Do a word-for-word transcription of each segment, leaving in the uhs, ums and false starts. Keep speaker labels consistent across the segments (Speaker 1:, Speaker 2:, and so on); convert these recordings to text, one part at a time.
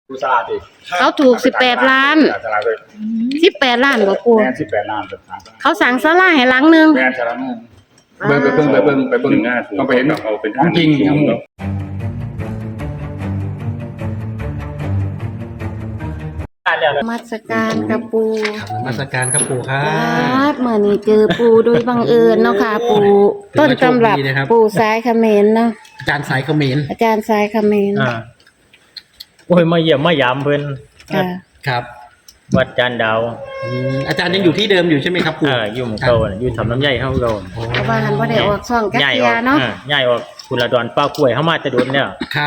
Speaker 1: ดูสลาดดิ
Speaker 2: เขาถูกสิบแปดล้าน
Speaker 1: สลาดเลย
Speaker 2: สิบแปดล้านบ่ปู่
Speaker 1: แม่นสิบแปดล้านเป็นทาง
Speaker 2: เขาสั่งศาลาให้หลังนึง
Speaker 1: แม่นสลาดเบิ่งไปเบิ่งไปเบิ่งไปเบิ่งต้องไปเห็นเอาเป็นของจริงของ
Speaker 2: มาสการกับปู่
Speaker 3: มาสการครับปู่ครั
Speaker 2: บบ เมื่อนี้เจอปู่โดยบังเอิญเนาะค่ะปู่ต้นตำรับปู่สายเขมรเนาะ
Speaker 3: อาจารย์สายเขมร
Speaker 2: อาจารย์สายเขมร
Speaker 4: อ่าโอ้ยมาเยี่ยมมายามเพิ่น
Speaker 2: ค่ะ
Speaker 3: ครับ
Speaker 4: วัดจานดาว
Speaker 3: อาจารย์ยังอยู่ที่เดิมอยู่ใช่ไหมครับปู่
Speaker 4: อ่าอยู่หมู่เก่าอยู่ทำน้ำใหญ่เฮาเก่า
Speaker 2: เพราะว่าหันบ่ได้ออกช่องกัก
Speaker 4: ใหญ่
Speaker 2: เที
Speaker 4: อย อก
Speaker 2: เนาะ
Speaker 4: อ่าใหญ่ออกคุณละดอนป้ากล้วยเฮามาแต่โดนแล้ว
Speaker 3: ครับ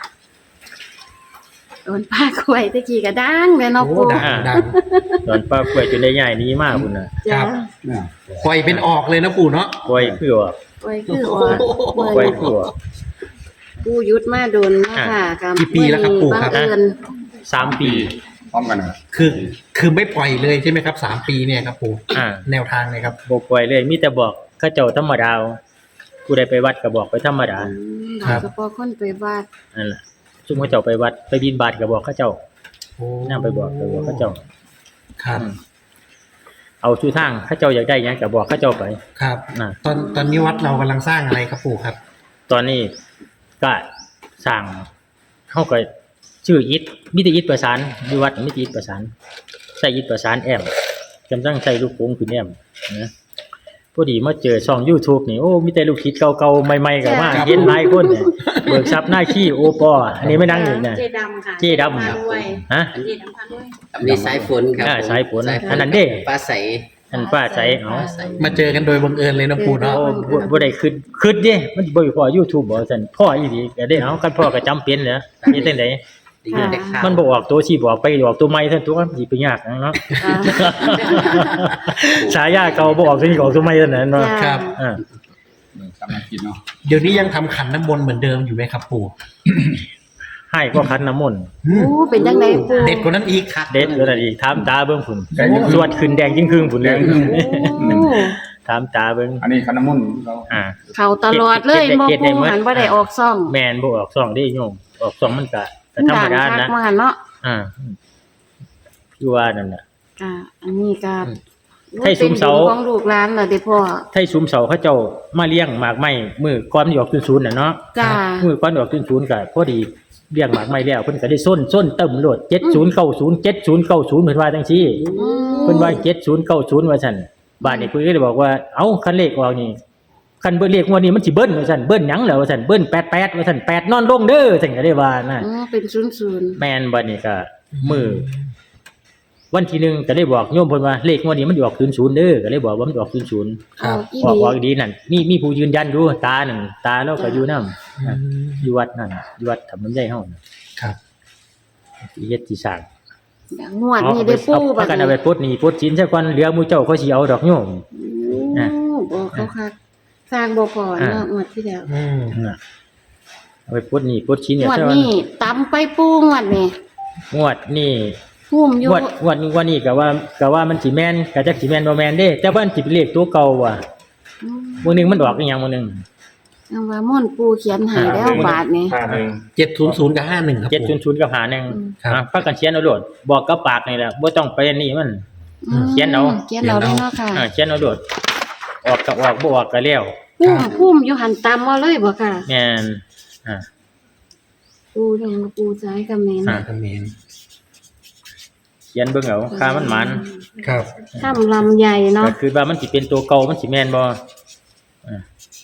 Speaker 2: โดนป้ากล้วยตะกี้ก็ดังเลยเนาะปู่
Speaker 3: ดังดัง
Speaker 4: ดอนป้ากล้วยจนได้ใหญ่นี้มากพุ่นน่ะ
Speaker 2: จ้ะ
Speaker 3: ปล่อยเป็นออกเลยนะปู่เนาะ
Speaker 4: กล้วยคือว่าก
Speaker 2: ล้วยคือออก
Speaker 4: กล้วยคือว่า
Speaker 2: ปู่ยุดมาโดนเนาะค่ะกับ
Speaker 3: กี่ปีแล้วครับปู่ครับ
Speaker 2: บังเอิญ
Speaker 4: สามปี
Speaker 1: พร้อมกันนะ
Speaker 3: คือคือไม่ปล่อยเลยใช่ไหมครับสามปีเนี่ยครับปู่
Speaker 4: อ่า
Speaker 3: แนวทางเนี่ยครับ
Speaker 4: บ่ปล่อยเลยมีแต่บอกเขาเจ้าธรรมดาผู้ใดไปวัดก็บอกไปธรรมดา
Speaker 2: ครับเฉพาะคนไปวัด
Speaker 4: นั่นล่ะซุมเขาเจ้าไปวัดไปบิณฑบาตก็บอกเขาเจ้า
Speaker 3: โอ้
Speaker 4: นำไปบอกไปบอกเขาเจ้า
Speaker 3: ครับ
Speaker 4: เอาชูทางเขาเจ้าอยากได้หยังก็บอกเขาเจ้าไป
Speaker 3: ครับ
Speaker 4: น่ะ
Speaker 3: ตอนตอนนี้วัดเรากำลังสร้างอะไรครับปู่ครับ
Speaker 4: ตอนนี้ก็สร้างเฮาก็ชื่ออิฐมีแต่อิฐประสานอยู่วัดมีแต่อิฐประสานใช้อิฐประสานแอมกำลังใช้ลูกโป่งขึ้นแอมนะพอดีมาเจอช่อง YouTube นี่โอ้มีแต่ลูกศิษย์เก่าๆใหม่ๆก็มาเห็นหลายคนเนี่ยเบิกทรัพย์หน้าขี้โอปออันนี้ไม่นั่งอยู่นะ
Speaker 2: เจดำค่ะ
Speaker 4: เจดำครับฮะ
Speaker 2: เจดำพาด้วย
Speaker 5: มีสายฝนครับ
Speaker 4: อ่า
Speaker 5: ผม
Speaker 4: สายฝนอันนั้นเด้
Speaker 5: ฟ้าใส
Speaker 4: อันป้าใจเอา
Speaker 5: ฟ้าใส
Speaker 3: มาเจอกันโดยบังเอิญเลยนะปู่เนาะ
Speaker 4: โอ้บ่บ่ได้คิดคิดเด้มันบ่พอ YouTube บ่ซั่นพ่ออีหลีก็ได้เอาคันพ่อก็จำเป็นเหรอมีจังได๋
Speaker 5: ได้ยินแต่ข่าว
Speaker 4: มันบ่ออกตัวสิบอกไปออกตัวใหม่ซั่นตัวมันสิไปยากนะเนาะ
Speaker 2: อ่า
Speaker 4: ฉายาเก่าบ่ออกตัวนี้ออกตัวใหม่ซั่นน่ะเนาะ
Speaker 3: ครับ
Speaker 4: อ่า
Speaker 1: กำลังกินเนาะ
Speaker 3: เดี๋ยวนี้ยังทำขันน้ำมนต์เหมือนเดิมอยู่ไหมครับปู่
Speaker 4: ให้ก็คันน้ำมนต์
Speaker 2: โอ้เป็นจังไดปู่
Speaker 3: เด็ดกว่านั้นอีก
Speaker 5: คัก
Speaker 4: เด็ดเลยอีกถามตาเบิ่งพุ่นสวดขึ้นแดงยิ่งครึ่งพุ่นเลย
Speaker 2: โอ้
Speaker 4: ถามตาเบิ่ง
Speaker 1: อันนี้ขนมมุ่นเรา
Speaker 4: อ่า
Speaker 2: เข้าตลอดเลยบ่ปู่หันบ่ได้ออกช่อง
Speaker 4: แม่นบ่ออกซ่องเด้โยมออกซ่องมันก็ก็ธรรมดา
Speaker 2: ดังคั
Speaker 4: นะ
Speaker 2: กว่าหั่นเนาะ
Speaker 4: อ่าคือว่านั่นน่ะ
Speaker 2: ค่ะอันนี้ก็
Speaker 4: ให้ซุ้มเสา
Speaker 2: ป็นบุญของลูกหลานล่ะเด้พ่อ
Speaker 4: ไทชุมเสาเขาเจ้ามาเลี้ยงหมากไม้มื้อก่อนสิออกศูนย์น่ะเนาะ
Speaker 2: จ้า
Speaker 4: มื้อก่อนออกศูนย์ก็พอดีเลี้ยงหมากไม้แล้วเพิ่นก็ได้ส้นส้นเติมโลดเจ็ดศูนย์เก้าศูนย์ เจ็ดศูนย์เก้าศูนย์เพิ่นว่าจังซี่
Speaker 2: อืม
Speaker 4: เพิ่นว่าเจ็ดศูนย์เก้าศูนย์ว่าซั่นบ้านนี้เพิ่นก็เลยบอกว่าเอ้าคันเลขออกนี่คันเบิ่นเลขงวดนี้มันสิเบิ้ลว่าซั่นเบิ้ลหยังแล้วว่าซั่นเบิ้ลแปดแปดว่าซั่นแปดนอนลงเด้อซั่นก็ได้ว่านะ
Speaker 2: อ๋อเป็นศูนย์ศูนย์
Speaker 4: แม่นบัดนี้ก็มื้อวันที่หนึ่งก็ได้บอกโยมเพิ่นว่าเลขงวดนี้มันสิออกศูนย์ศูนย์เด้อก็เลยบอกว่ามันสิออกศูนย์ศูนย์
Speaker 3: ครับ
Speaker 2: อี
Speaker 4: ออก
Speaker 2: หลี
Speaker 4: ออกดีนั่นมีมีผู้ยืนยันอยู่ตาหนึ่งตาแล้วก็อยู่นำ
Speaker 3: อืม
Speaker 4: อยู่วัดนั่นอยู่วัดทำน้ำใจเฮาน่ะ
Speaker 3: ครับ
Speaker 4: สิเฮ็ดสิสร้าง
Speaker 2: งวดนี้ได้ปู่
Speaker 4: บั
Speaker 2: บั
Speaker 4: ด
Speaker 2: ด
Speaker 4: กัน
Speaker 2: นี้
Speaker 4: เอาไปปลดหนี้ปลดสินซะก่อนเหลือหมู่เจ้าเขาสิเอาดอกโยม
Speaker 2: โอ้บอกเขาคักสร้างบ่พอเนาะ
Speaker 4: อ่า
Speaker 2: งวดที่แล้ว
Speaker 3: อืม
Speaker 4: น่ะเอาไปปลดหนี้ปลดสินเนี่ย
Speaker 2: งวด
Speaker 4: ซะก่อน
Speaker 2: นี้ตำไปปู่งวดนี้
Speaker 4: งวดนี้
Speaker 2: หุ่มอยู่
Speaker 4: งวดงวดนี้งวดนี้ก็ว่าก็ว่ามันสิแม่นก็จักสิแม่นบ่แม่นเด้แต่ว่ามันสิเป็นเลขตัวเก่าว่ะ
Speaker 2: อืม
Speaker 4: มื้อหนึงมันออกอีหยังมื้อหนึง
Speaker 2: ยังว่าม่อนปู่เขียนให้แล้วบาทนี้
Speaker 1: ห้าหนึ่ง
Speaker 3: เจ็ดศูนย์ศูนย์กับห้าหนึ่งครับ
Speaker 4: เจ็ด
Speaker 3: ปู่
Speaker 4: ศูนย์กับหาหนึ่ง
Speaker 2: อืม
Speaker 3: ครับ
Speaker 4: อ่ะพากันเขียนเอาโลดบอกกับปากนี่แหละบ่ต้องไปนี่มัน
Speaker 2: อืม
Speaker 4: เขียนเอา
Speaker 2: เขียนเอาเลยเนาะค่ะ
Speaker 4: อ่าเขียนเอาโลดออกก็ออกบ่ออกก็แล้ว
Speaker 2: พุ่มพุ่มอยู่หันตำเอาเลยบ่ค่ะ
Speaker 4: แม่นอ่า
Speaker 2: ปู่ทางปู่ซ้ายกับแม่น
Speaker 4: อ่า
Speaker 3: เขมร
Speaker 4: เขียนเบิ่งเอาค่ามันหมัน
Speaker 3: ครับ
Speaker 2: ถ้ำลำใหญ่เนาะ
Speaker 4: ก็คือว่ามันสิเป็นตัวเก่ามันสิแม่นบ่อ่า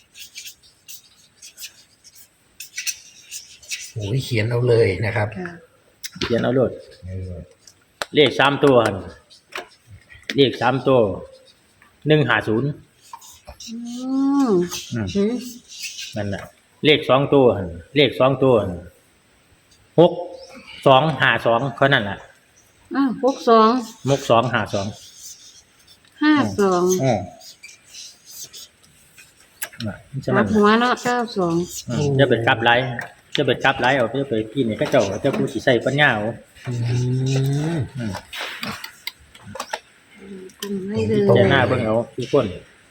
Speaker 3: โอ้ยเขียนเอาเลยนะครับ
Speaker 2: ค่ะ
Speaker 4: เขียนเอาโลดเลขสามตัวหั่นเลขสามตัวหนึ่งห้าศูนย์
Speaker 2: อืม
Speaker 4: อืม
Speaker 2: หือ
Speaker 4: นั่นน่ะเลขสองตัวหั่นเลขสองตัวหั่นหกสองห้าสองเท่านั้นล่ะ
Speaker 2: อ้าวหกสอง
Speaker 4: หกสองห้าสอง
Speaker 2: ห้าสอง
Speaker 4: อือน่ะฉะ
Speaker 2: กลั
Speaker 4: นั้
Speaker 2: บ
Speaker 4: น
Speaker 2: หัวเนาะเก้าสอง
Speaker 4: อืมจะเป็นกลับไหลจะเป็นกลับไหลเอาจะไปกินนี่เขาเจ้าเจ้าผู้สิใส่ปัญญาเอา
Speaker 3: อืม
Speaker 4: อืม
Speaker 2: กุมให้เลย
Speaker 4: จะหน้าเบิ่งเอาทุกคน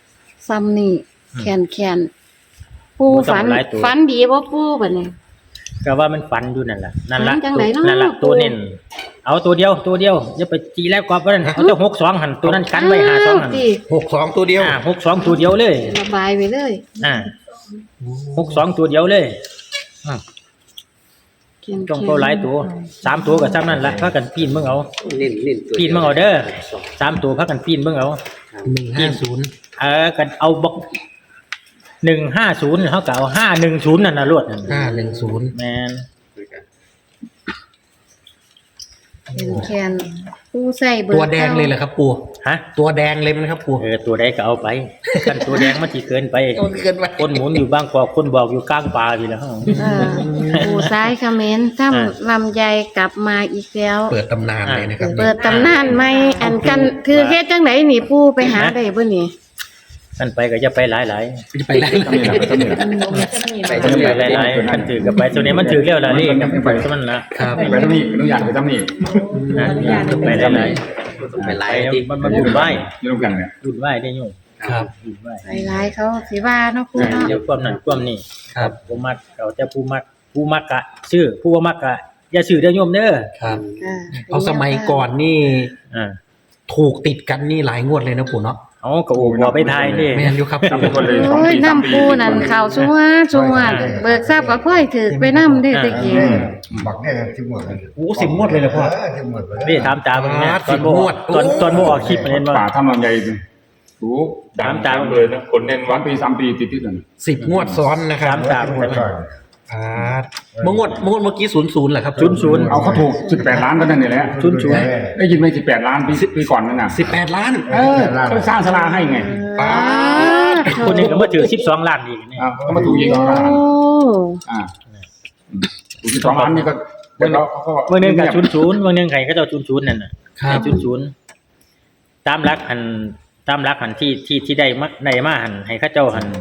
Speaker 2: ซ้ำนี่
Speaker 4: อืม
Speaker 2: แขนแขนปู
Speaker 4: บ่ต้อง
Speaker 2: ฝัน
Speaker 4: หลายตัว
Speaker 2: ฝันดีบ่ปูบัดนี้
Speaker 4: ก็ว่ามันฝันอยู่นั่นแหละนั่นละ
Speaker 2: ฝันจังไหนเนาะ
Speaker 4: นั่นละตัวเน้นเอาตัวเดียวตัวเดียวอย่าไปจีแล้วกว่าเพราะนั้นเขาจะหกสองหันตัวนั้นกันไว้หาสองหัน
Speaker 2: าวสิ
Speaker 3: หกสองตัวเดียว
Speaker 4: อ่าหกสองตัวเดียวเลย
Speaker 2: ระบายไปเลย
Speaker 4: อ่าหกสองตัวเดียวเลยอ่า
Speaker 2: เขียน
Speaker 4: จงเขาหลายตัวสามตัวกับซ้ำนั่นละพากันปีนเบิ่งเอา
Speaker 5: เน้นเน้นตัว
Speaker 4: ปีนเบิ่งเอาเด้อสามตัวพากันปีนเบิ่งเอา
Speaker 3: หนึ่งห้าศูนย์
Speaker 4: เออกันเอาบอกหนึ่งห้าศูนย์เขาก็เอาห้าหนึ่งศูนย์นั่นนะรวดนั่น
Speaker 3: ห้าหนึ่งศูนย์
Speaker 4: แมน
Speaker 2: เขียนแคนปูใส่เบอร์
Speaker 3: ตัวแดงเลยเหรอครับปู่
Speaker 4: ฮะ
Speaker 3: ตัวแดงเลยไหมครับปู่
Speaker 4: เออตัวใดก็เอาไปกันตัวแดงมันที่เกินไป
Speaker 3: ตัวเกินไป
Speaker 4: คนหมุนอยู่บางกอกคนบอกอยู่กลางป่าทีแล้ว
Speaker 2: เออปูซ้ายคอมเขมนต์ถ้าลำไยกลับมาอีกแล้ว
Speaker 3: เปิดตำนานเลยนะครับ
Speaker 2: เปิดตำนานไหมอันกันคือเฮ็ดจังไหนนี่ปูไปหาได้บ่นี่
Speaker 4: กันไปก็จะไปหลายหลาย
Speaker 3: จะไปได้
Speaker 1: ต้องมีนะต้องมีนะ
Speaker 5: ไป
Speaker 4: ๆไปหลายหลายๆกันถือกับไปตัวนี้มันถือเรียวละนี่กับไปซะมันละ
Speaker 3: ครับ
Speaker 1: ไปต้องนี่ต้องอยากไปต้องนี่
Speaker 4: อ่าไปหลายหลาย
Speaker 5: ไป
Speaker 4: ๆ
Speaker 5: ไล่
Speaker 4: ไป
Speaker 5: ที่
Speaker 4: มันมันบุญไหว
Speaker 1: นี่ต้องกันเนี่ย
Speaker 4: บุญไหวได้ยุ่ง
Speaker 3: ครับ
Speaker 4: บุญไหว
Speaker 2: หลายๆเขาสิว่าเนาะปูเนาะ
Speaker 4: เดี๋ยวความนั้นความนี้
Speaker 3: ครับ
Speaker 4: ผู้มักเอาแต่ผู้มักผู้มักกะชื่อผู้ว่ามักกะอย่าชื่อเด้อโยมเด้อ
Speaker 3: ครับ
Speaker 2: ค่ะ
Speaker 3: เพราะสมัยก่อนนี่
Speaker 4: อ่า
Speaker 3: ถูกติดกันนี่หลายงวดเลยนะปู่เนาะ
Speaker 4: เอากระโอบบ่ไปทายนี่
Speaker 3: ไม่งั้นอยู่ครับ
Speaker 1: จำเป็นคนเลยสอง
Speaker 2: โอ้ย
Speaker 1: ปีสามปี
Speaker 2: น้ำปูนั่นข่าวชัวชัวเบิกทราบก็ค่อยถือไปน้ำได้ตะกี้
Speaker 6: บักได้ที่หมดเลย
Speaker 3: โอ้สิบงวดเลยนะพ่อ
Speaker 6: ที่หมดเลย
Speaker 4: นี่ถามตาเบิ่งเนี่ย
Speaker 3: อ่า
Speaker 4: ตอนบ่
Speaker 3: สิบงวด
Speaker 4: ตอนตอนบ่ออกคลิปมันเห็นบ่
Speaker 1: ป่าทำลำไยถูก
Speaker 4: ตามตาม
Speaker 1: เลยนะคนเน้นวันปีสามปีติดติดกัน
Speaker 3: สิบงวดซ้อนนะครับ
Speaker 4: สามสาม
Speaker 6: ที่หมดก่อน
Speaker 3: อ่าเมื่องวดเมื่องวดเมื่อกี้ศูนย์ศูนย์เหรอครับ
Speaker 4: ศูนย์ศูนย์
Speaker 1: เอาเขาถูกสิบแปดล้านก็นั่นนี่แหละ
Speaker 4: ศูนย์ศูนย์
Speaker 1: ได้ยินไหมสิบแปดล้านปีปีก่อนนั่นน่ะ
Speaker 3: สิบแปดล้าน
Speaker 1: เออเขาสร้างศาลาให้ไง
Speaker 3: ป้าด
Speaker 4: คนนี้ก็มาถือสิบสองล้านอีกนี่
Speaker 1: อ่าก็มาถูกยิง
Speaker 2: โอ้
Speaker 1: เขาอ่าถูกสิบสองล้านนี่ก็เดี๋ยวเขาก็
Speaker 4: เมื่อหนึงก็ศูนย์ศูนย์เมื่อหนึงไผก็เจ้าศูนย์ศูนย์นั่นน่ะ
Speaker 3: ครับ
Speaker 4: ศูนย์ศูนย์ตามหลักหันตามหลักหันที่ที่ที่ได้มาได้มาหันให้เขาเจ้าหัน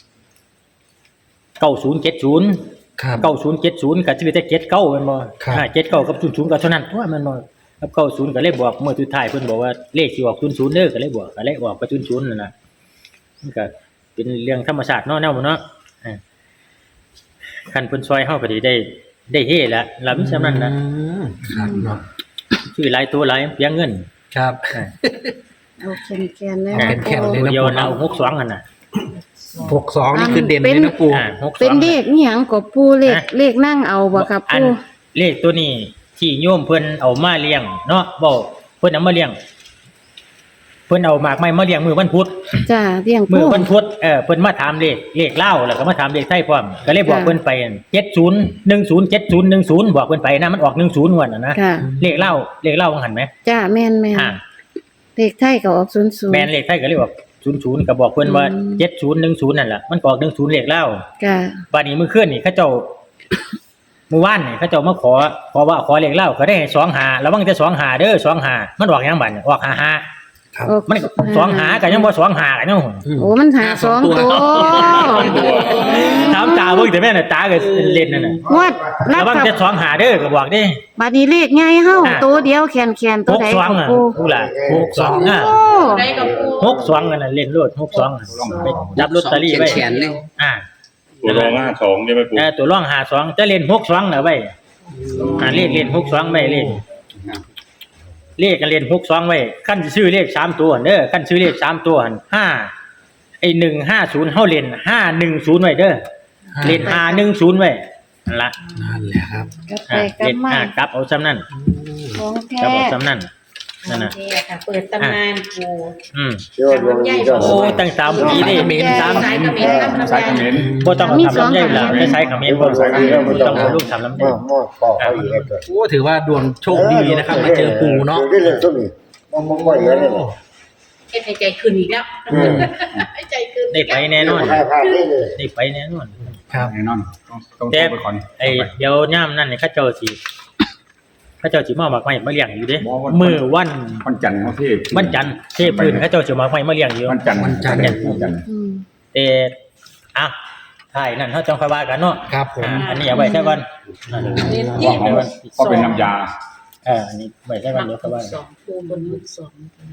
Speaker 4: เก้าศูนย์เจ็ดศูนย์
Speaker 3: ครับ
Speaker 4: เก้าศูนย์เจ็ดศูนย์ก็ชื่อแต่เจ็ดเก้าแม่นบ่
Speaker 3: ครับ
Speaker 4: อ่าเจ็ดเก้ากับศูนย์ศูนย์ก็เท่านั้นตัวแม่นบ่กับเก้าศูนย์ก็เลยบอกเมื่อสุดท้ายเพิ่นบอกว่าเลขสิออกศูนย์ศูนย์เด้อก็เลยบอกก็เลยออกไปศูนย์ศูนย์นั่นน่ะมันก็เป็นเรื่องธรรมชาติเนาะแนวบ่เนาะอ่าคันเพิ่นซอยเฮาก็สิได้ได้เฮละล่ะมีซำนั้นน่ะ
Speaker 3: อืมครับเนาะ
Speaker 4: ชื่อหลายตัวหลายเปียงเงิน
Speaker 3: ครับ
Speaker 4: อ่า
Speaker 2: เอาแคนแคนๆเลย
Speaker 3: เอาแคนๆเลย
Speaker 4: ตัวเดียวนะหกสองหั่นน่ะ
Speaker 3: หกสองนี่คือเด่นเลยนะปู่
Speaker 4: อ่าหกสอง
Speaker 2: เป็นเลขนี่หยังก็ปูเลข
Speaker 4: ฮะ
Speaker 2: เลขนั่งเอาบ่ครับ
Speaker 4: อัน
Speaker 2: ปู
Speaker 4: เลขตัวนี้ที่โยมเพิ่นเอามาเลี้ยงเนาะบ่เพิ่นเอามาเลี้ยงเพิ่นเอาหมากไม้มาเลี้ยงมื้อวันพุธ
Speaker 2: จ้าเลี้ยง
Speaker 4: มื้
Speaker 2: ปู
Speaker 4: อวันพุธเออเพิ่นมาถามเลขเลขลาวแล้วก็มาถามเลขไทยพร้อมก็เลยบอก
Speaker 2: ค่ะ
Speaker 4: เพิ่นไปเจ็ดศูนย์หนึ่งศูนย์เจ็ดศูนย์หนึ่งศูนย์บอกเพิ่นไปนะมันออกหนึ่งศูนย์งวดน่ะนะ
Speaker 2: ค่ะ
Speaker 4: เลขลาวเลขลาวว่าหั่นไหม
Speaker 2: จ้าแม่นแม่น
Speaker 4: อ่า
Speaker 2: เลขไทยก็ออกศูนย์ศูนย์
Speaker 4: แม่นเลขไทยก็เลยบอกศูนย์ศูนย์ก็บอกเพิ่นว่า
Speaker 2: อืม
Speaker 4: เจ็ดศูนย์หนึ่งศูนย์นั่นล่ะมันก็ออกหนึ่งศูนย์เลขลาว
Speaker 2: จ้า
Speaker 4: บัดนี้มื้อคืนนี่เขาเจ้า เมื่อวานนี่เขาเจ้ามาขอขอว่าขอเลขลาวก็ได้สองหาระวังแต่สองหาเด้อสองหามันออกหยังบัดนี่ออกห้าห้า
Speaker 3: ครับ
Speaker 2: ออก
Speaker 4: มันสองหากันยังบ่สองหากันยัง
Speaker 2: โอ้มันหาสองตัว
Speaker 4: ถามตาเบิ่งแต่แม่น่ะตาก็เล่นนั่นน่ะ
Speaker 2: งวดรั
Speaker 4: ระ
Speaker 2: บ
Speaker 4: วัง
Speaker 2: กับ
Speaker 4: จะสองหาเด้อก็บอกเด้
Speaker 2: บัดนี้เลขใหญ่เฮา
Speaker 4: อ่ะ
Speaker 2: ตัวเดียวแคนแคนๆตัว
Speaker 4: หก
Speaker 2: ใด
Speaker 4: สอง
Speaker 2: ของ
Speaker 4: อ่ะ
Speaker 2: ปู
Speaker 4: ผู้ล่ะหกสองอ่ะ
Speaker 2: โอ้
Speaker 4: หกสองกันน่ะเล่นโลดหกสองอ่ะไปจับลอตเตอรี่ไว้
Speaker 5: เขียนๆเลย
Speaker 4: อ่า
Speaker 1: ตัวรองห้าสองใช่ไหมปู่
Speaker 4: เออตัวร่องหาสองจะเล่นหกสองน่ะไว้อ่าเลขเล่นหกสองไว้เลขเลขกันเล่นหกสองไว้คั่นสิซื้อเลขสามตัวเด้อคั่นซื้อเลขสามตัวหั่นห้าไอ้หนึ่งห้าศูนย์เฮาเล่นห้าหนึ่งศูนย์ไว้เด้อเล่นห้าหนึ่งศูนย์ไว้นั่นล่ะ
Speaker 3: นั่นแหละครับ
Speaker 2: กลับไป
Speaker 4: อ่าก
Speaker 2: ลั
Speaker 4: เล่
Speaker 2: บ
Speaker 4: น
Speaker 2: มา
Speaker 4: อ่ากลับเอาซ้ำนั่น
Speaker 2: ของแท้
Speaker 4: กลับเอาซ้ำนั่นนั่นน่ะ
Speaker 7: โอเคค่ะเปิดตำนานปู
Speaker 4: อืม
Speaker 6: เชื่อว่าดวงดีก็
Speaker 4: โอ้ตั้งสามปีนี่
Speaker 3: สาม
Speaker 7: สายเขมิ้นครับ
Speaker 1: สายเขมร
Speaker 4: บ่ต้องเอาทำลำไยล่ะไม่ใช้คำเมนบ่
Speaker 1: สายเขมร
Speaker 4: ต้องเอาลูกทำลำไย
Speaker 6: มอมอขอเขาอีกแล้ว
Speaker 3: โอ้ถือว่าดวงโชคดีนะครับมาเจอปู่เนาะ
Speaker 6: ได้เลยต้นนี้มอมมออีกแล้วเนี่ย
Speaker 7: เอ็ดในใจคืนอีกแล้ว
Speaker 6: อืม
Speaker 7: ให้ใจคืน
Speaker 4: ได้ไปแน่นอน
Speaker 6: ให้พลาดได้เลย
Speaker 4: ได้ไปแน่นอน
Speaker 3: ครับ
Speaker 1: แน่นอนต้องต้อง
Speaker 4: แต่
Speaker 1: ไปก่อน
Speaker 4: ไอ้เดี๋ยวย่ามนั่นนี่เขาเจ้าสิเขาเจ้าสิมาเอาหมากไม้มาเลี้ยงอยู่เด้
Speaker 1: บ่วัน
Speaker 4: มื้อวัน
Speaker 1: วันจันทร์เขาที่
Speaker 4: วันจันทร์เทพพื้นเขาเจ้าสิเอาหมากไม้มาเลี้ยงอยู่
Speaker 1: วันจันทร์
Speaker 3: วันจันทร์
Speaker 1: วันจันทร์
Speaker 2: อืม
Speaker 4: แต่อ่ะท้ายนั่นเฮาจังค่อยว่ากันเนาะ
Speaker 3: ครับผม
Speaker 4: อ่าอันนี้เอาไว้ซะก่อนอ่า
Speaker 7: เน้น
Speaker 1: ว่า
Speaker 7: ที่
Speaker 1: ของก็เป็นน้ำยา
Speaker 4: เอออันนี้ไว้ซะก่อนเดี๋ยวค่อยว่า
Speaker 7: สองปูบนลูกสอง
Speaker 4: อ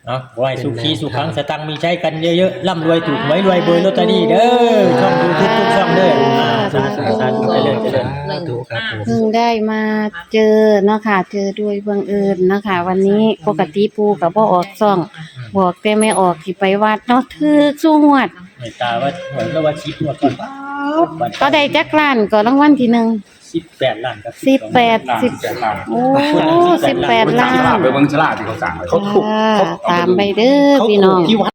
Speaker 4: เนาะขอให้สุขีสุขังสตังค์มีใช้กันเยอะๆร่ำรวยถูกหวยรวยเบอร์ลอตเตอรี่เด้อช่องยูทูบทุกช่องเด้ออ่าสาธุสาธุไปเลยเจริญ
Speaker 3: สาธุครับผม
Speaker 2: เพิ่งได้มาเจอเนาะค่ะ เจอด้วยบังเอิญเนาะค่ะ วันนี้ปกติปูกับบ่ออกซ่อง บอกแต่ไม่ออกสิไปวัดเนาะถือสู้งวด
Speaker 4: เมตตาว่าเหมือนกับว่าชิปหมดก่อน
Speaker 2: ก็ได้จักล้านก็รางวัลที่หนึ่ง
Speaker 4: สิบแปดล้านครับ
Speaker 2: สิบแปด
Speaker 1: ล้าน
Speaker 2: สิบ
Speaker 1: แปดล้าน
Speaker 2: โอ้สิบแปดล้า
Speaker 1: ฉลาด
Speaker 2: น
Speaker 1: ไปเบิ่งฉลาดที่เขาสั่งไว้
Speaker 3: เขาถูกเขา
Speaker 2: ตามไปเด้อพี่น้อง
Speaker 3: ที่วัด